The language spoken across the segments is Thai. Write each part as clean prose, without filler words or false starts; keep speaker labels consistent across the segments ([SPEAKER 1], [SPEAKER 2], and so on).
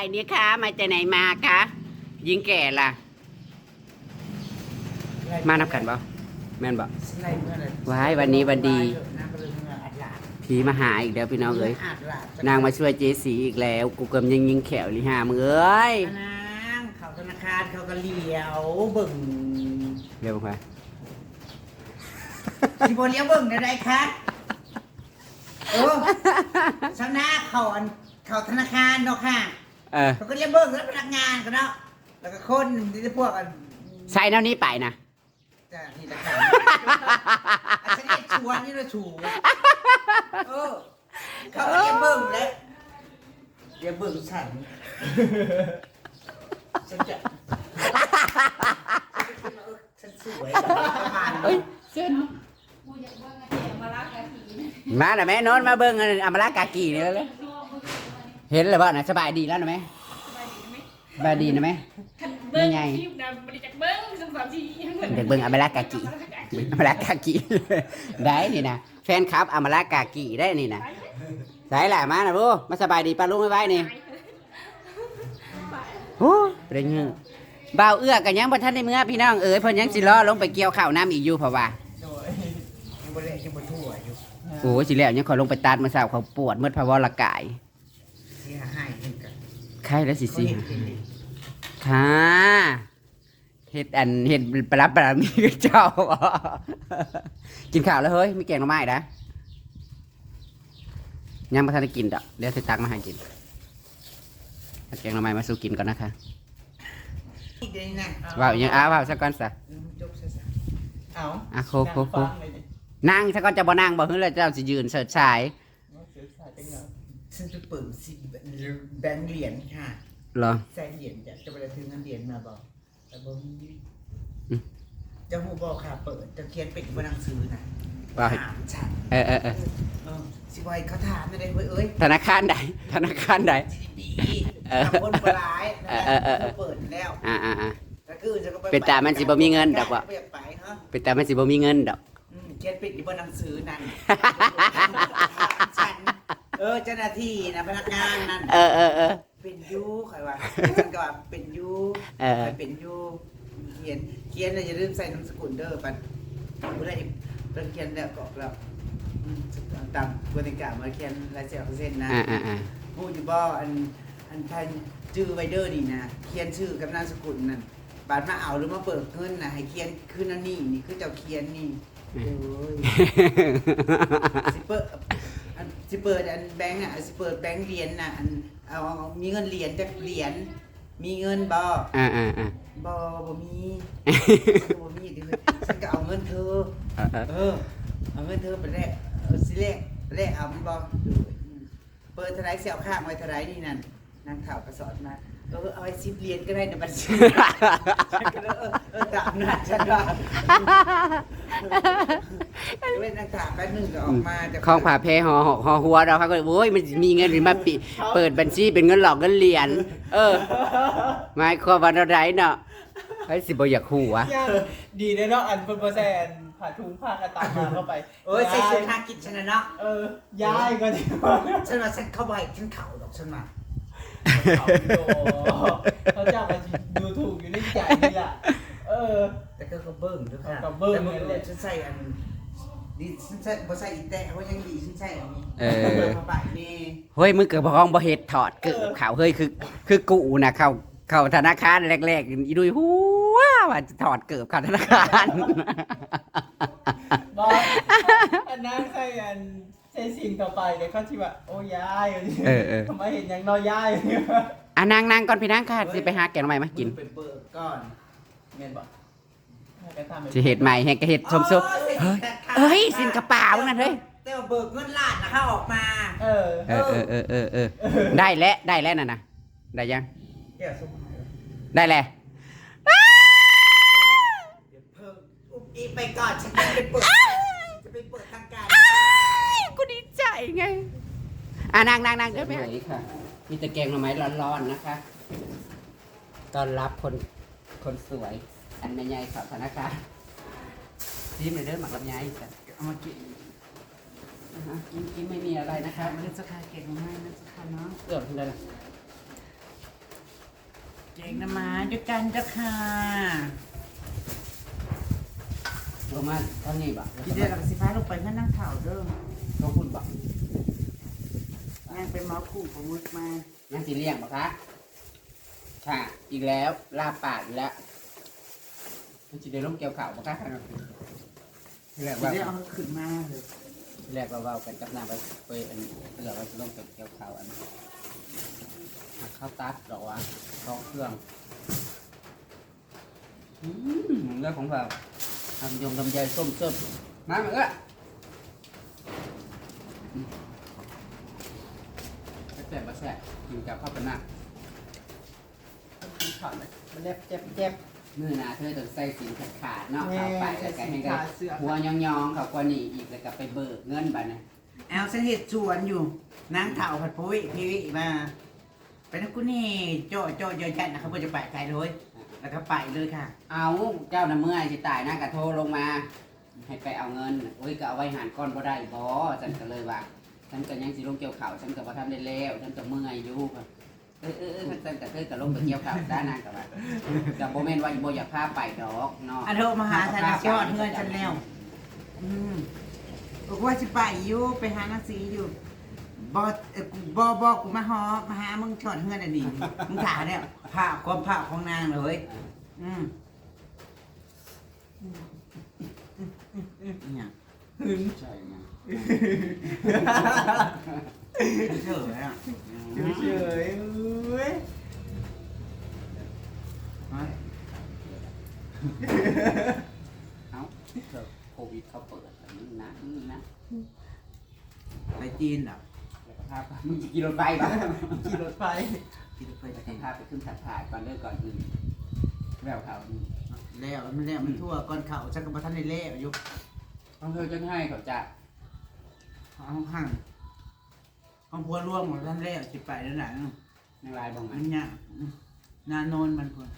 [SPEAKER 1] เนี่ยคะมาจากไหนมาคะยิงแก่ล่ะมานับกันบ่แม่นบ่ว้ายวันนี้วันดีผีมาหาอีกแล้วพี่น้องเอ้ยนางมาช่วยเจสีอีกแล้วกูกำยังยิงแขวลิหามึงเอ้ย
[SPEAKER 2] นางเขาธนาคารเขาก็เลี้ยวเบิ่ง
[SPEAKER 1] เรียกว่า
[SPEAKER 2] สิบ่เลี้ยวเบิ่งได้คะชาวนาเขาธนาคารเนาะค่ะเขาก็เลี้ยวเบิ่งแล้วพนักงานกันเนาะแล้วก็คนที่พวก
[SPEAKER 1] ใส่แนวนี้ไปนะ
[SPEAKER 2] จ้านี่ละค่ะฉันเอ็ดชวนนี่ละชูเขาก็เลี้ยวเบิ่งแล้วเลี้ยวเบิ่งฉันฉันสวยประมาณ
[SPEAKER 1] มาหน่ะแม่นอนมาเบิ่งอมรากากีนี่แล้วเห็นเลยบ่น่ะสบายดีแล้วนะแม่สบายดีนะแม่ยังไงเด็กเบิ่งอมรากากีอมรากากีได้นี่นะแฟนคลับอมรากากีได้นี่นะใส่แหละมาน่ะลูกมาสบายดีป้าลุงไว้นี่โอ้เป็นยังบ่าวเอื้อกันยังบ่ทันได้เมื่อพี่น้องเอ๋ยเพิ่นยังสิล้อลงไปเกี่ยวข้าวน้ำอีกอยู่เพราะว่าโอ้สิแล้วยังขอลงไปตัดมาสาวเขาปวดเมื่อพะวรกายใครแล้วสิค่ะเห็ดปลามีเจ้ากินข้าวแล้วเฮ้ยมีแกงหน่อไม้นะยังไม่ทันได้กินดอกเดี๋ยวจะตักมาให้กินแกงหน่อไม้มาสู้กินก่อนนะคะว้าวยังว้าวสักก้อนซะโคนั่งสักก้อนจะบ่นั่งบ่เฮ้ยแล้วเจ้าจะยืนเสิร์ชชาย
[SPEAKER 2] ฉันจะเปิดสิแบงค์เหรียญค่ะ
[SPEAKER 1] เหรอ
[SPEAKER 2] ใส่เหรียญจะไปซื้อเงินเหรียญมาบอกแต่บ่มีจะหูบอกค่ะเปิดจะเขียนเป็นบนหนังสือนะถามฉันสิบอยเขาถามอะไรเอ้ย
[SPEAKER 1] ธนาคารใดธนาคารใด
[SPEAKER 2] ทำคนร้ายเปิดแล้ว
[SPEAKER 1] เป็นตามันสิบ่มีเงินดอกว่าเป็นตามันสิบ่มีเงินดอก
[SPEAKER 2] เขียนเป็นบนหนังสือนั่นฉันเจ้าหน้าที่นะพนักงานนั่นเป็นยูใครวะฉันก็ว่าเป็นยูเป็นยูเขียนเลยอย่าลืมใส่นามสกุลเด้อปันผู้ใดเป็นเขียนแล้วกรอกแล้วตามกติกามาเขียนลายเซ็นนะพูดอยู่บ่อันท่านชื่อไวเดอร์นี่นะเขียนชื่อกับนามสกุลนั่นบาดมาเอาหรือมาเปิดเงินนะให้เขียนคือนั่นนี่คือเจ้าเขียนนี่สิเปิดอันแบงค์อ่ะสิเปิดแบงค์เหรียญน่ะอันเอามีเงินเหรียญจากเหรียญมีเงินบ่มีบ่มีดิฉันก็เอาเงินเธอเอาเงินเธอไปแลกสิแลกเอามันบ่เปิดเท่าไรเสี่ยวข้างไว้เท่าไรนี่นั่นนางข่าวกระสอนมาเอาไว้10 เหรียญก็ได้ในบัญชีตามนั้นฉันว่าเว้นนางข่าวแป๊บนึงก็ออกมา
[SPEAKER 1] ของผ่าเพห่อหัวเราเขาก็โอ้ยมันมีเงินหรือมาเปิดบัญชีเป็นเงินหลอกเงินเหรียญหมายความว่าอะไรเนาะไอ้สิบ่อยากหูวะ
[SPEAKER 3] ดีเลยเนาะอันเป็นผ่าถุงผ้ากระตามมาเข้าไป
[SPEAKER 2] ใส่เสื้อผ้ากินฉันนะเนาะ
[SPEAKER 3] ย้ายก็ดี
[SPEAKER 2] ฉันว่าฉันเข้าไปฉันเข่าดอกฉันมา
[SPEAKER 3] เขาจะมาดูถูกอยู่ในใจนี่แหละ
[SPEAKER 2] แต่ก็เบิ้งด้วยค่ะ
[SPEAKER 3] กับเบิ้ง
[SPEAKER 2] เลยฉันใส่อันดีฉันใส่บ่ใส่อีแต่ว่ายังดีฉันใส่อันนี้มาบ่ายนี่
[SPEAKER 1] เฮ้ยมึงเกิดพองบ่เฮ็ดถอดเกิดข่าวเฮ้ยคือกูนะเข้าธนาคารแรกๆอีดุยหัวว่าจะถอดเกิดเข้าธนาคาร
[SPEAKER 3] บอกอันนั้นใส่อันใส่สิ่งต่อไปเดี๋ยวเขาที่ว่าโอ้ยายทำไมเห็นอย่างน้อยยาย
[SPEAKER 1] นั่งก่อนพี่นั่งค่ะสิไปหาแกงใหม่มากิน
[SPEAKER 2] ไปเปิดก่อน
[SPEAKER 3] เงินบ่
[SPEAKER 1] สิเห็ดใหม่แฮกเห็ดชมซุเฮ้ยสินกระเป๋านั่นเฮ้ย
[SPEAKER 2] แต่ว่าเบิกเงินล้านนะเขาออกมา
[SPEAKER 1] ได้แล้วน่ะนะได้ยังได้แล้ว
[SPEAKER 2] อีไปก่อนฉันจะไปเปิดทางการ
[SPEAKER 1] กูดีใจไงนั่งเดี๋ยวไปหาค่ะมีแต่แกงหน่อไม้ร้อนๆนะคะต้อนรับคนสวยอันแม่ใหญ่สาวธนาคารยิ้มเลยเด้อหมักลำไย
[SPEAKER 2] เอามากิน
[SPEAKER 1] กินไม่มีอะไรนะครับ
[SPEAKER 2] มันจะคาเก่งมากนะจะคาเนาะ
[SPEAKER 1] เกือบเลย
[SPEAKER 2] แกงน้ำมาด้วยกันเจ้าค่ะ
[SPEAKER 1] ลงมาเท่านี้บ่
[SPEAKER 2] พี่เดือดกับสิฟ้าลงไปเพื่อนั่งเข่าเด้อ
[SPEAKER 1] ต้องพูดบ่
[SPEAKER 2] นั่งเป็นหมอคู่ของมึกมา
[SPEAKER 1] ยังสิเลี้ยงบ่คะค่ะ อีกแล้วลาบปากอีกแล้วมันสิได้ลงเกี่ยวข่าวบ่คะที่แรก
[SPEAKER 2] พี่
[SPEAKER 1] ว่า
[SPEAKER 2] เดือดเอาขึ้นมาเลย
[SPEAKER 1] ที่แรกว่าเว้ากันกับนางไปอันเหลือว่าสิลงเกี่ยวข่าวอันหักข้าวตัดดอกว่าท้องเครื่องเรื่องของเราทำยงทำใยส้มส้มมาเหมือนกันแซ่บมาแซ่บกินกับข้าวเป็นหน้า
[SPEAKER 3] ถอดเลยมันเจ็บ
[SPEAKER 1] มือหนาเธอต้องใส่สินขาดเนาะ
[SPEAKER 3] แม่
[SPEAKER 1] เข้าไปแล้วก็ให้ได้
[SPEAKER 3] ใส่สินขาดเสื้อ
[SPEAKER 1] หัวยองๆเขากว่านี่อีกแล้วก็ไปเบิกเงินบัดนะ
[SPEAKER 2] เอาเส้นเห็ดชวนอยู่นั่งเข่าผัดพุ้ยพี่วิมาไปนะกูนี่โจ้เยอะจัดนะครับเพื่อจะไปไกลเลยแล้วก็ไปเลยค่ะ
[SPEAKER 1] เอาเจ้าน่ะเมื่อยสิตายนะกระโทรลงมา ให้ไปเอาเงินโอ้ยก็เอาไว้หารก้อนบ่ได้บ่ฉันก็เลยว่าฉันก็ยังสิลงเกี่ยวข่าวฉันก็บ่ทำได้แล้วฉันก็เมื่อยอยู่ฉันก็เคยก็ลงไปเกี่ยวข่าวด้านนั้นก็ว่าแต่บ่แม่นว่าบ่อยากพาไปดอกเนาะ
[SPEAKER 2] อันโทรมาหาฉันยอดเงินฉันแล้วบอกว่าจะไปอยู่ไปหาหนังสืออยู่บกูมาหามึงชอดเงินอันนี้มึงถามเนี่ยผ้าความผ้าของนางเลยเนี่ย
[SPEAKER 3] หึง
[SPEAKER 1] ใช่ไง
[SPEAKER 2] เฉยอ่ะ
[SPEAKER 3] เฉยเว้ย
[SPEAKER 1] เอ้าโควิดเขาเปิดแต่มึงนะ
[SPEAKER 2] ไปจีนเหรอ
[SPEAKER 1] แล้วก็พามึงจะกินรถไฟป่ะ
[SPEAKER 3] ขี่รถไฟ
[SPEAKER 2] จีนไป
[SPEAKER 1] แล้วก็
[SPEAKER 2] จีน
[SPEAKER 1] พาไปขึ้นถ่ายก่อนเลิกก่อนอื่นแล้วข่าวนี้
[SPEAKER 2] แล้วมันทั่วก้อนเข่าฉันก็มาท่านในเล่อยู่
[SPEAKER 1] ต้องเธอจะให้เขาจะ
[SPEAKER 2] ห้างของพัวร่วงของท่านเล่จิไปแล้วไหน
[SPEAKER 1] ในลายบ้างไหม
[SPEAKER 2] มันเนี่ยนานนมันพัว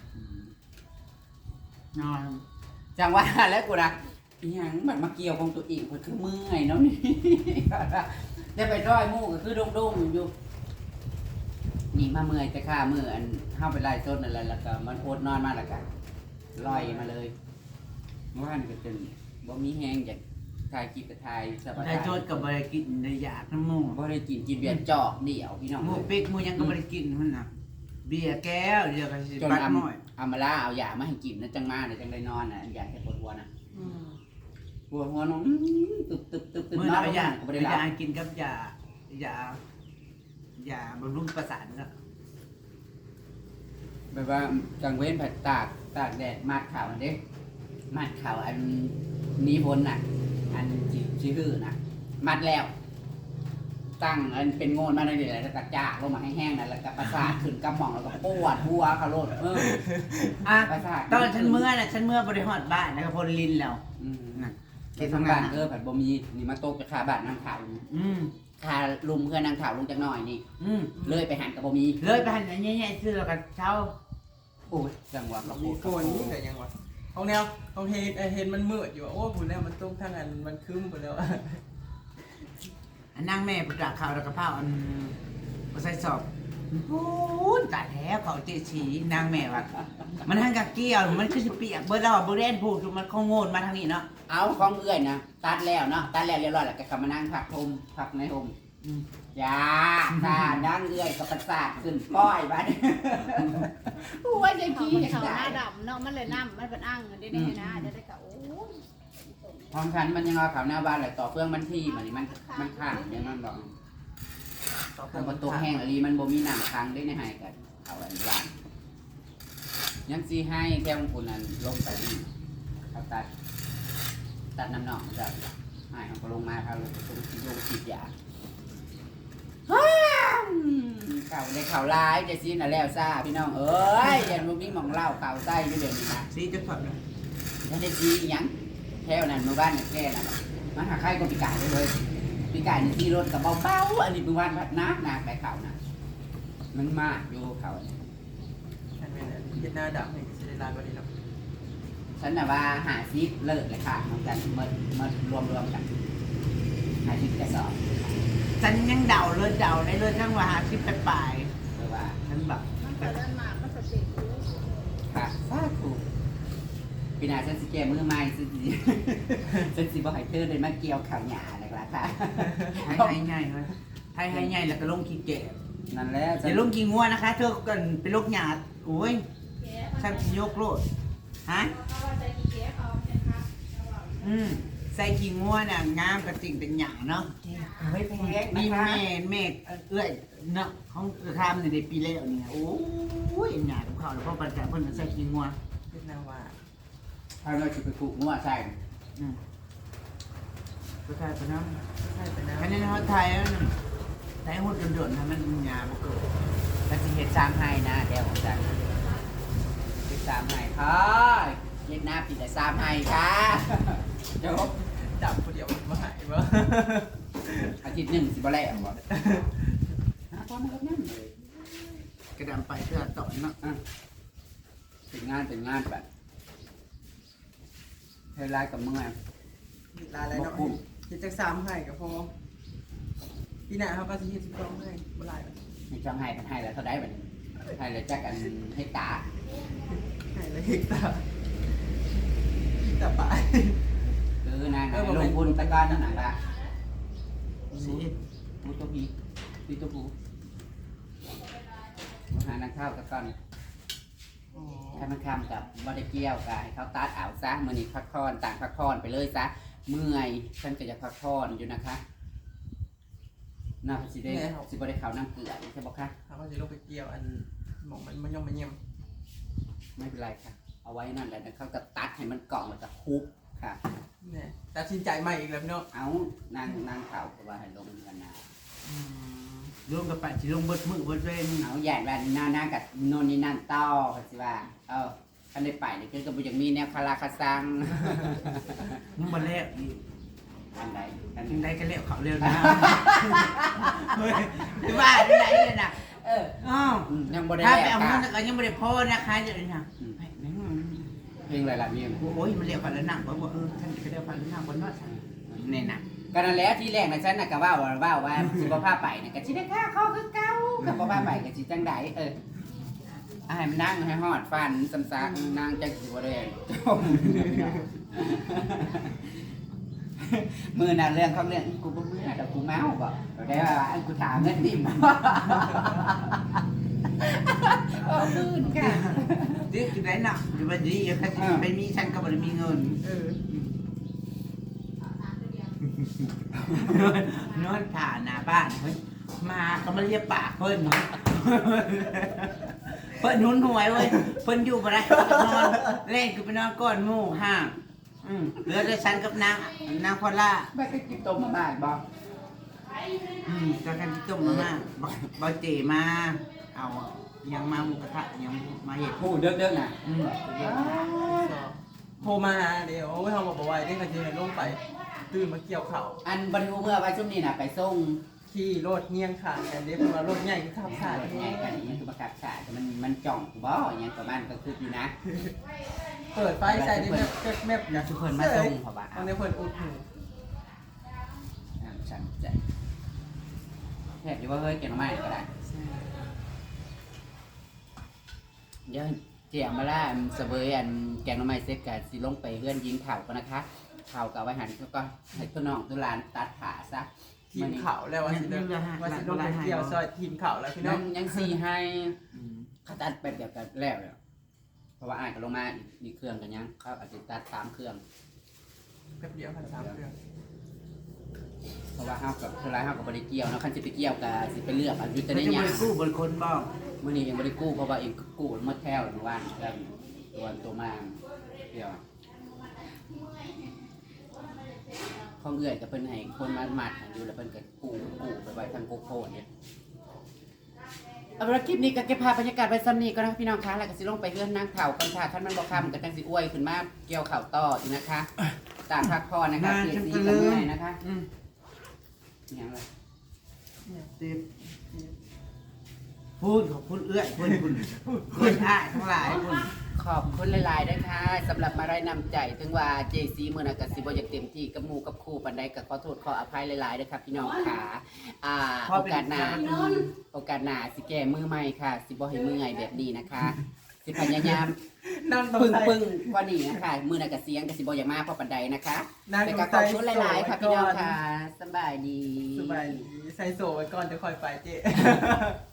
[SPEAKER 2] นอน
[SPEAKER 1] จังว่าแล้วกูนะอีหยังมันมาเกี่ยวของตัวเองมันคือเมื่อยเนาะนี่ ได้ไปร้อยหมู่ก็คือดงๆอยู่นี่มาเมื่อยแต่ข้าเมื่ออันเข้าไปไล่ต้นนั่นแหละแล้วก็มันโคตรนอนมาแล้วกันลอยมาเลยเมื่อวานก็จนบ่มีแห้งอยากถ่ายกินกับถ่ายสบาย
[SPEAKER 2] ได้โจทย์กับบริกินได้ยากน้ำมู
[SPEAKER 1] บ่ได้กินเบียร์จอกเดี่ยวพี่น้อง
[SPEAKER 2] หมู
[SPEAKER 1] เลย
[SPEAKER 2] เป็กหมูยังก็บริกินมันนะเบียร์แก้วเดียวกันสิ
[SPEAKER 1] จน
[SPEAKER 2] ปัด
[SPEAKER 1] เอา
[SPEAKER 2] หน่อย
[SPEAKER 1] เอามาล่าเอายามาให้กินนะจังมาเดี๋ยวจังได้นอนน่ะอยากให้ปวดหัวน่ะปวดหัวน้องตึบ
[SPEAKER 2] เมื่อน
[SPEAKER 1] อน
[SPEAKER 2] เอายา
[SPEAKER 1] บ่ได้หลับ
[SPEAKER 2] ยากินกับยาบำรุงประสาทนะ
[SPEAKER 1] แบบว่าจังเว้นผัดตากแดดมาดข่าวอันเด็กมาดข่าวอันนี้พ้นน่ะ อันชื่อน่ะมัดแล้ว ตั้งอันเป็นโงนมาในเดี๋ยวแล้วก็จากลงมาให้แห้งนั่นแล้วก็ประสาทขึ้นกระหม่องแล้วก็ปวดหัวเขาโลด
[SPEAKER 2] อ่ะ
[SPEAKER 1] ประสาท
[SPEAKER 2] ตอนฉันเมื่อน่ะฉันเมื่อบริหารบ้านแล้วก็พลลินแล้ว
[SPEAKER 1] น่ะ
[SPEAKER 2] เข
[SPEAKER 1] เข
[SPEAKER 2] ต
[SPEAKER 1] ต
[SPEAKER 2] ทำงาง
[SPEAKER 1] ทำาน นผัดบ่มีนี่มาตกจะขาบาดนางข่าว ขาลุมเพื่อนนางข่าวลงจากหน่อยนี่ เลยไปหันกับบ่มี
[SPEAKER 2] เลยไปหันอย่างเงี้ยซื้อแล้วก็เช่า
[SPEAKER 1] โอ้ยจังหวะกระโป
[SPEAKER 3] มี
[SPEAKER 1] ง
[SPEAKER 3] โฟนนี่แต่ยังวะห้องแนวห้องเห็นมันมืดอยู่โอ้ผมแล้วมันตุ้มทั้งอันมันคืมหมดแล้ว
[SPEAKER 2] อันนั่งแม่ปุตตะข่าวแล้วก็เผาอันมาใส่สอบโอ้ยตายแล้วเขาเจฉีนางแม่ว่ะมันทั้งกับเกี่ยวมันคือสิเปียกเบอร์เราเบอร์เรนพูดมันคงโง่มาทางนี้เนาะ
[SPEAKER 1] เอาของเอื้อยนะตัดแล้วเนาะตัดแล้วเรียบร้อยแล้วก็กลับมานั่งผักทมผักในโฮมยาตาดังเอื้อยกับประสาทขึ้นป้อยบ้านโอ้ยใจ
[SPEAKER 4] เขา
[SPEAKER 1] กี้
[SPEAKER 4] เขาหน้าดำเนาะมันเลยน้ำมันเป็นอ่างได้ได้นะจะได้กะโอ้ย
[SPEAKER 1] ห้องฉันมันยังเอาข่าวหน้าบ้านเลยต่อเฟื่องมันที่มันข้างยังมันบอกทางประตูแห้งอะไรมันบ่มีน้ำค้างได้ในหายกันเอาอันบ้านยังซีให้แค่ของคุณนั้นลงไปนี่เขาตัดน้ำหนองจะหายเขาก็ลงมาเขาลงฉีดยาข่าวในข่าวร้ายจะซีน่ะแล้วซ่าพี่น้องเอ้ยยันบ่มีหม่องเล่าข่าวไส้อยู่เดี๋ยวนี้นะ
[SPEAKER 2] ซีจะถอดเลย
[SPEAKER 1] ถ้าได้ซีหยังแถวนั้นหมู่บ้านแค่นั้นมันหาใครก็ปีกายเลยปีกายนี่ที่รถกับเบาๆอันนี้เป็นวันพัดนักไปข่าวนะมันมากอยู่ข่าว
[SPEAKER 3] อันนี้เห็นหน้าดำเห็นจะได้ลายบริษัท
[SPEAKER 1] ฉันน่ะว่าหาซิปเลิกเลยค่ะน้องกันมารวมกันหาซิปกระสอบ
[SPEAKER 2] ฉันยังเดาเลยในเรื่องข้างว่าหาชิปไป
[SPEAKER 1] เพราะว่า
[SPEAKER 2] ฉันแบบ
[SPEAKER 4] มันเกิดมามันสติรู้
[SPEAKER 1] ปีหน้าฉันสิแก้มือใหม่ฉันสิ ฉันสิบ่ให้เธอเลยมาเกี่ยวข่าวหยาเลยล่ะค่ะ
[SPEAKER 2] ให้ง่ายเลยให้ง่ายแล้วก็ลงขี้แก่
[SPEAKER 1] นั่นแหละ
[SPEAKER 2] อย่าลงขี้งัวนะคะ เธอกันเป็นโรคหยาดโอ้ยฉันยกโลดฮะใส่ขี้งัวน่ะงามกระติ่งเป็นหยาเนาะ
[SPEAKER 1] ไม่แพง
[SPEAKER 2] มี
[SPEAKER 1] นะคะ
[SPEAKER 2] แม่เอื้อยเนาะของทำในปีแล้วเนี่ยโอ้ยหยาของเขาแล้วเพราะประจำเพิ่นใส่ขี้งัว
[SPEAKER 3] เป็นนาวา
[SPEAKER 1] เอาเราจะไปปลูกงัวใส่
[SPEAKER 2] ก็ใช่ปะเนาะ
[SPEAKER 3] ใช่เป็นนา
[SPEAKER 2] อันนี้เขาไทยไทยหุ่นโดนๆทำมันหยาบ่เกิด
[SPEAKER 1] แล้วสิเฮ็ด3ให้นะเดี๋ยวผมจะเฮ็ด3ให้ค่ะเฮ็ดหน้าปีละ3ให้ค่ะจบ
[SPEAKER 3] ดับคนเดียวมาหายบ่
[SPEAKER 1] อาทิตย์หนึ่งสิบ่แล้วบ่พอมาแล้วนั่นเลย
[SPEAKER 2] กระดำไปเพื่อต่อเนาะ
[SPEAKER 1] เป็นงานแบบเฮลายกับมึงอ่ะ
[SPEAKER 3] ลาอะไรเนาะเฮ็ดจัก3ให้ก็พอปีหน้าเขาก็สิเฮ็ด12ให้บ่หลาย
[SPEAKER 1] มีช่องให้เป็นให้แล้วเท่าได้บัดนี้ให้แล้วจักอันให้ตา
[SPEAKER 3] ให้แล้วเฮ็ดตาไป
[SPEAKER 1] คือนางลงบุญตะกอนนั่นน่ะล่ะ
[SPEAKER 2] สิ
[SPEAKER 1] มูตัวพีพีตัวปูหานางข้าวตะกอน
[SPEAKER 3] อ๋อ
[SPEAKER 1] ให้มันคำกับบอดเกี่ยวกับให้เขาตัดเอาซะมือนี้พักผ่อนต่างพักผ่อนไปเลยซะเมื่อยฉันก็จะพักผ่อนอยู่นะคะน่าสิได้สิบได้ข่าวน้ำเกลือใช่ปะคะ
[SPEAKER 3] เขาก็สิลงไปเกี่ยวอันหมองมันย่อมมาเยี่ยม
[SPEAKER 1] ไม่เป็นไรค่ะ เอาไว้นั่นแหละนะเขาก็ตัดให้มันกล่องมันจะคุบค่ะ
[SPEAKER 3] เนี่ยตัดสินใจใหม่อีกแล้วพี่น้อง
[SPEAKER 1] เอานางข่าวก็ว่าให้ลงกันนะ
[SPEAKER 2] รวมกับปัดสิลงเบิดมือเบิดเว้น
[SPEAKER 1] เอาใหญ่แบบนากับโนนนี่นั่นต่อค่ะสิว่าคันได้ไปเนี่ยคือกับบุญยังมีแนวคาราคาซัง
[SPEAKER 2] ยังบ่แล้วอีก
[SPEAKER 1] อันใดอัน
[SPEAKER 2] ยังได้ก็แล้วเขาเร็วนะเฮ้ยว่าได้ไหนเลยนะอ้าว
[SPEAKER 1] ยังบ่ได้
[SPEAKER 2] ถ้า
[SPEAKER 1] แล
[SPEAKER 2] ไป
[SPEAKER 1] ก
[SPEAKER 2] เอา
[SPEAKER 1] ค่ะ
[SPEAKER 2] เงินก็ยังบ่ได้พอนะคะเดี๋ยวนี้นะแม่ง
[SPEAKER 1] เพลงอะไรล่ะมี
[SPEAKER 2] โอ้ยมันเรียกพันละหนังว่าท่านจะเรียกพันละหนังบนนอดเนี่ยนะ
[SPEAKER 1] ก็นั่นแหละที่แรกนะฉันน่ะก็ว่าสิบ่พาไปน่ะก็สิได้ค่าข้อคือเก่าก็บ่พาไปก็สิจังไดให้มันนั่งให้ฮอดฟันซ้ำซากนั่งจังสิบ่ได้จมมือน่ะเรื่องของเรื่องกูบ่มือน่ะแต่กูเมาบ่ได้ว่าอันกูถามเงินดิบ่มืนค่ะ
[SPEAKER 2] ดิคือได้หนักอยู่บัดนี้ถ้าไปมีฉันก็บ่ได้มีเงินนอนผ่านหน้าบ้านเฮ้ยมาก็มาเรียกปากเพิ่นเนาะเพิ่นหุนหวยเว้ยเพิ่นอยู่บ่ได้นอนเล่นคือไปนอนก้อนหมู่ห้างเหลือแต่ฉันกับนางพอลล่า
[SPEAKER 1] ไปกินต้มมาบ้านบ่
[SPEAKER 2] ก็กันที่ต้มมาบ่เจมาเอายังมาหมูกระทะยังมาเห็ด
[SPEAKER 1] ผู้เด้อๆน่ะ
[SPEAKER 3] โทรมาเดี๋ยวเขาบอกว่าได้กันจะลงไปตื่นมาเกี่ยวเข่า
[SPEAKER 1] อันบริเมื่อไว้ช่วงนี้น่ะไปส่ง
[SPEAKER 3] ขี่รถเงียงขาดกันเดี๋ยวเพราะว่ารถใหญ่ก็ขับขาด
[SPEAKER 1] ไงกันนี่คือประกาศฉาแต่มันจ่องบ่อย่างประมาณก็คืออยู่นะ
[SPEAKER 3] เปิดไฟใส่ได้แมบ
[SPEAKER 1] อยากชุเพิ่นมาส่งเพราะว่า
[SPEAKER 3] ตอนนี้เพิ่นอุดหู
[SPEAKER 1] ฉันใจแทบจะว่าเฮ้ยเก่งมากก็ได้เดี๋ยวเจียมาล่าเสวยอันแกงน้ำไม้เซ็กกับสิลงไปเลื่อนยิงเข่ากันนะคะเข่ากับไว้หันก็ให้ตัวน้องตัวหลานตัดขาซะ
[SPEAKER 3] ทีมเข่าแล้วว่าสิลงไปเกี่ยวซอยทีมเข่าแล้วพี่น้
[SPEAKER 1] นั่
[SPEAKER 3] อง
[SPEAKER 1] นยังสี่ให้เขาตัดไปเดียวกันแล้วเลยเพราะว่าอ่านกันลงมาอีกเครื่องกันยังเขาอาจจะตัด3 เครื่อง
[SPEAKER 3] แป๊บเดียวพัน3เครื่อง
[SPEAKER 1] เพราะว่าห้ากับเท่าไรห้ากับบริเกี่ยวนะคันสิไปเกี่ยวกับสิไปเลือกอันยุติ
[SPEAKER 2] ไม่
[SPEAKER 1] ได้
[SPEAKER 2] จะ
[SPEAKER 1] ยัง
[SPEAKER 2] ไปกู้บนคนบ้าง
[SPEAKER 1] มื่อนี้ยังบริกู้เพราะว่าเองกู้เมื่อแถวเมื่อวานแล้วตัวมาเดียวข้องเอื่อยกับเพิ่นให้คนมาหมัดอยู่แล้วเพิ่นก็กู้ไปไว้ทางโกโก้เนี่ยเอาละคลิปนี้ก็เก็บภาพบรรยากาศไว้ซ้ำนี้ก็นะพี่น้องคะแล้วก็สิลงไปเลื่อนนั่งเข่ากันค่ะท่านมันบอกคำกับจังสิอ้วยขึ้นมาเกี่ยวเข่าต่ออีกนะคะตามพักพอนะคะเสียสีกันเมื่อยนะคะอย่างไร
[SPEAKER 2] พูดขอบคุณเอื้อยคุณอ้ายทั้งหลายคุณ
[SPEAKER 1] ขอบคุณหลายๆด้วยค่ะสำหรับมาได้นำใจถึงว่าเจซีมือนักสิบอยากเต็มที่กับหมูกับครูปันใดก็ขอโทษขออภัยหลายๆด้วยครับพี่น้องค่ะโอกาสหน้าสิแก้มือใหม่ค่ะสิบอให้มือไงแบบนี้นะคะสิสิพยายาม
[SPEAKER 3] นั่งตรง
[SPEAKER 1] ปึ้ง
[SPEAKER 3] ใส่
[SPEAKER 1] ปึ้งกว่านี้นะคะมือหนักกระเสียงกระสิบอย่างมากเพราะปันใดนะคะ
[SPEAKER 3] นั่ง
[SPEAKER 1] แต่
[SPEAKER 3] ตร
[SPEAKER 1] ก็
[SPEAKER 3] ง
[SPEAKER 1] ขอบ
[SPEAKER 3] ใส่
[SPEAKER 1] คุณหลายๆค่ะพี่น้องค่ะสบายดี
[SPEAKER 3] สบายดีใส่โซ่ไว้ก่อนจะคอยไปเจ๊